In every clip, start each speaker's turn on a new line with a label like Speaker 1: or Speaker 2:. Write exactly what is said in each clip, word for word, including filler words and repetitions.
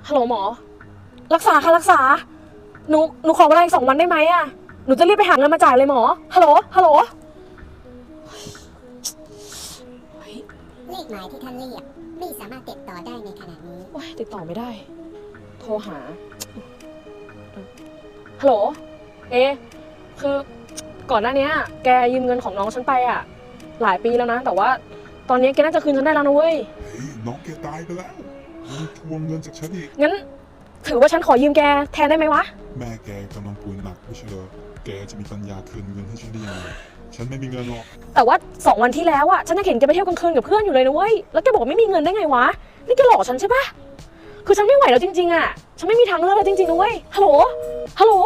Speaker 1: ฮัลโหลหมอรักษาค่ะรักษาหนูหนูขอเวลาอีกสองวันได้ไหมอะหนูจะรีบไปหาเงินมาจ่ายเลยหมอฮัลโหลฮัลโหล
Speaker 2: เลขหมายที่ท่านเรียกไม่สามารถติดต่อได้ในขณะนี้
Speaker 1: โอ๊ยติดต่อไม่ได้โทรหาฮัลโหลเอคือก่อนหน้านี้แกยืมเงินของน้องฉันไปอะหลายปีแล้วนะแต่ว่าตอนนี้แกน่าจะคืนฉันได้แล้วนะเว้ย
Speaker 3: เฮ้ยน้องแกตายไปแล้วยังทวงเงินจากฉันอีก
Speaker 1: งั้นถือว่าฉันขอยืมแกแทนได้ไหมวะ
Speaker 3: แม่แกกำลังป่วยหนักไม่ใช่เหรอแกจะมีปัญญาคืนเงินให้ฉันได้ยังไงฉันไม่มีเงินหรอก
Speaker 1: แต่ว่าสองวันที่แล้วอะฉันยังเห็นแกไปเที่ยวกลางคืนกับเพื่อนอยู่เลยนะเว้ยแล้วแกบอกไม่มีเงินได้ไงวะนี่แกหลอกฉันใช่ปะคือฉันไม่ไหวแล้วจริงๆอะฉันไม่มีทางเลือกแล้วจริงๆนะเว้ยฮัลโหลฮัลโหล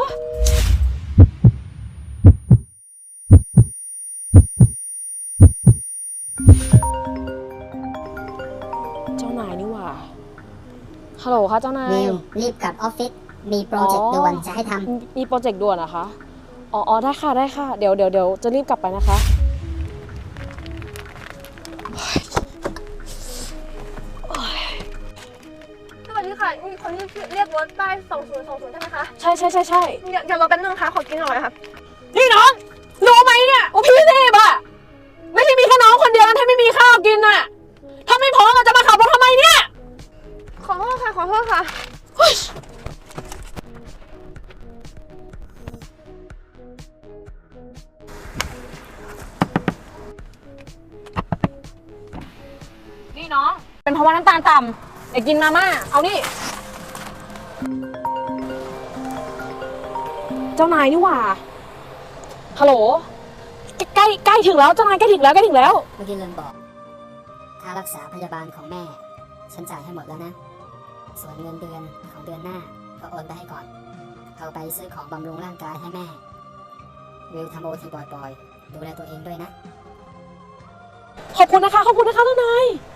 Speaker 1: เจ้านายนี่หว่าฮัลโหลค่ะเจ้านาย
Speaker 2: นิวรีบกลับออฟฟิศมีโปรเจกต์ด่วนจะให้ท
Speaker 1: ำมีโปรเจกต์ด่วนนะคะอ๋อได้ค่ะได้ค่ะเดี๋ยวเดี๋ยวเดี๋ยวจะรีบกลับไปนะคะ
Speaker 4: สวัสดีค่ะมีคนที่เรียกรถป้ายสองศูนย์สองศูนย์ใช่ไหมคะ
Speaker 1: ใช่ใช่ใช่ใช่
Speaker 4: เดี๋ยวเดี๋ยวรอแป๊บนึงค่ะขอกินหน่อยครับ
Speaker 1: นี่น้องรู้ไหมเนี่ยว่าพี่เทพอะไม่ใช่มีแค่น้องคนเดียวนะที่ไม่มีข้าวกินอะถ้าไม่พร้อมจะมาขับรถทำไมเนี่ย
Speaker 4: ขอโทษค่ะขอโทษค่ะ
Speaker 1: นี่น้องเป็นเพราะว่าน้ำตาลต่ำอยากกินมาม่าเอานี่เจ้านายนี่หว่าฮัลโหลใกล้ใกล้ถึงแล้วเจ้านายใกล้ถึงแล้วใกล้ถึงแล้ว
Speaker 2: ำเมื่อกี้ลืมบอกค่ารักษาพยาบาลของแม่ฉันจ่ายให้หมดแล้วนะส่วนเงินเดือนของเดือนหน้าก็โอนไปให้ก่อนเอาไปซื้อของบำรุงร่างกายให้แม่วิวทำโอทีบ่อยๆดูแลตัวเองด้วยนะ
Speaker 1: ขอบคุณนะคะขอบคุณนะคะเจ้านาย